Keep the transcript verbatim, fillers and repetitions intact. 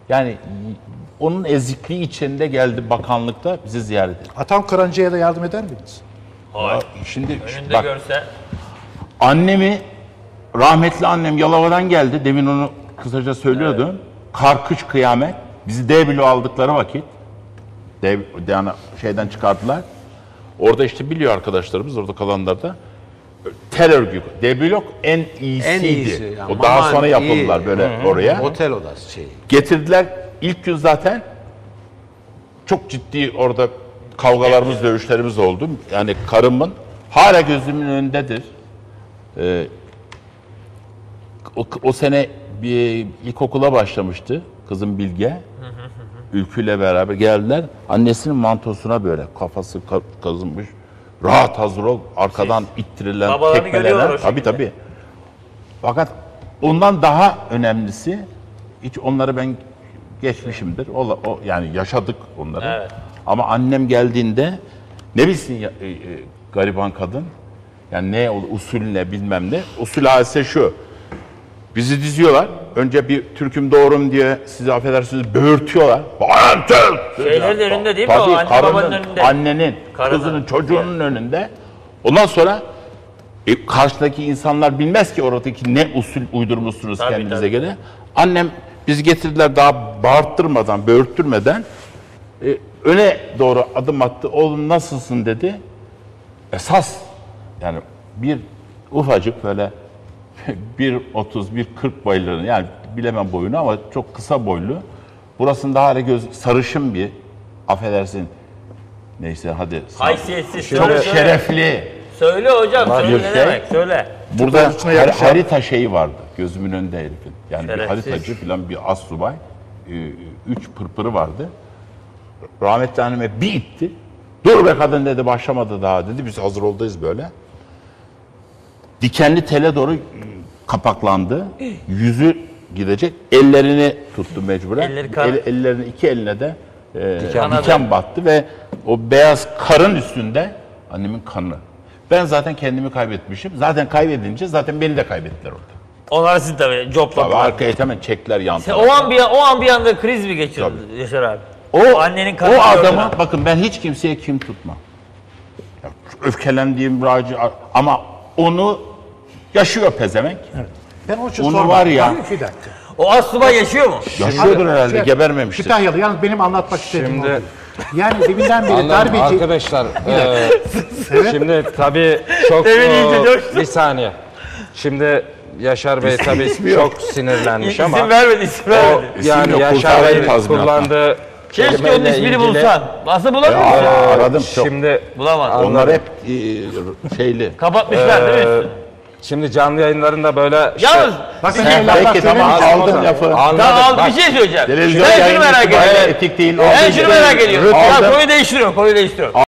Yani onun ezikliği içinde geldi bakanlıkta bizi ziyaret etti. Atam Karancı'ya da yardım eder miydiniz? Hayır. Şimdi Önünde bak, görse. annemi, rahmetli annem Yalova'dan geldi. Demin onu kısaca söylüyordum. Evet. Kar, kış, kıyamet. Bizi D bloğu aldıkları vakit D, yani şeyden çıkardılar. Orada işte biliyor arkadaşlarımız, orada kalanlar da tel örgü. D blok en iyisiydi. En iyisi. Yani. O daha Aman sonra yapıldılar iyi. Böyle Hı-hı. oraya. Otel odası şey. Getirdiler. İlk gün zaten çok ciddi orada kavgalarımız, dövüşlerimiz oldu. Yani karımın hala gözümün önündedir. Ee, o, o sene bir ilkokula başlamıştı kızım Bilge. Ülkü'yle beraber geldiler. Annesinin mantosuna böyle kafası kazınmış. Rahat hazır ol. Arkadan Siz, ittirilen, tekmelenen. Tabii tabii. Fakat ondan daha önemlisi, hiç onları ben geçmişimdir. O, o yani yaşadık onları. Evet. Ama annem geldiğinde ne bilsin ya, e, e, gariban kadın. Yani ne usul ne bilmem ne. Usul hadise şu. Bizi diziyorlar. Önce bir Türk'üm doğrum diye sizi affedersiniz böğürtüyorlar. Şeylerin önünde değil mi o? Anne babanın önünde. Annenin, Karının. Kızının, çocuğunun evet. önünde. Ondan sonra e, karşıdaki insanlar bilmez ki oradaki ne usul uydurmuşsunuz tabii, kendinize tabii. göre. Annem bizi getirdiler daha bağırttırmadan, böğürttürmeden e, öne doğru adım attı. Oğlum nasılsın dedi. Esas yani bir ufacık böyle bir otuz bir kırk boylarını yani bilemem boyunu ama çok kısa boylu. Burasında hala göz sarışın bir affedersin. Neyse hadi. Haysiyetsiz. Çok söyle, şerefli. Söyle hocam söyle ne şey, demek söyle. Burada har harita şeyi vardı gözümün önünde herifin. Yani şerefsiz. Bir haritacı falan bir astsubay. Üç pırpırı vardı. Rahmetli anneme bir itti. Dur be kadın dedi başlamadı daha dedi. Biz hazır oldayız böyle. Dikenli tele doğru kapaklandı. Yüzü gidecek. Ellerini tuttu mecburen. El, ellerini iki eline de e, diken, diken battı ve o beyaz karın üstünde annemin kanı. Ben zaten kendimi kaybetmişim. Zaten kaybedince zaten beni de kaybettiler orada. Onlar siz tabii copladılar. Arkaya hemen çekler yan tarafa. O an bir o an bir anda kriz mi geçirdi Yaşar abi? O, o annenin kanı. O adamı bakın ben hiç kimseye kim tutmam. Ya, öfkelendiğim raci ama onu yaşıyor pezevenk. Evet. Ben o için onu var ya. Bir dakika. O astsubay yaşıyor mu? Yaşıyordur herhalde, şey, gebermemiştir. Kütahyalı, yalnız benim anlatmak istediğim şimdi... Yani deminden beri darbeci... Arkadaşlar, e, evet. Şimdi tabii çok... o, bir saniye. Şimdi Yaşar Bey tabii çok sinirlenmiş ama... İsim vermedi, isim vermedi. O, yani yok, Yaşar Bey kullandığı... Keşke onun ismini ilgili... bulsan. Nasıl bulamıyorsun? Ya, aradım çok. Şimdi bulamadım. Onlar hep e, şeyli. Kapatmışlar ee, değil mi üstünü? Şimdi canlı yayınlarında böyle... Işte, Yalnız bakın belki tamam aldın lafı. Tamam al bir şey söyleyeceğim. Ben şunu merak ediyorum. Etik değil. Ben şunu merak ediyorum. Konuyu değiştiriyorum. Konuyu değiştiriyorum.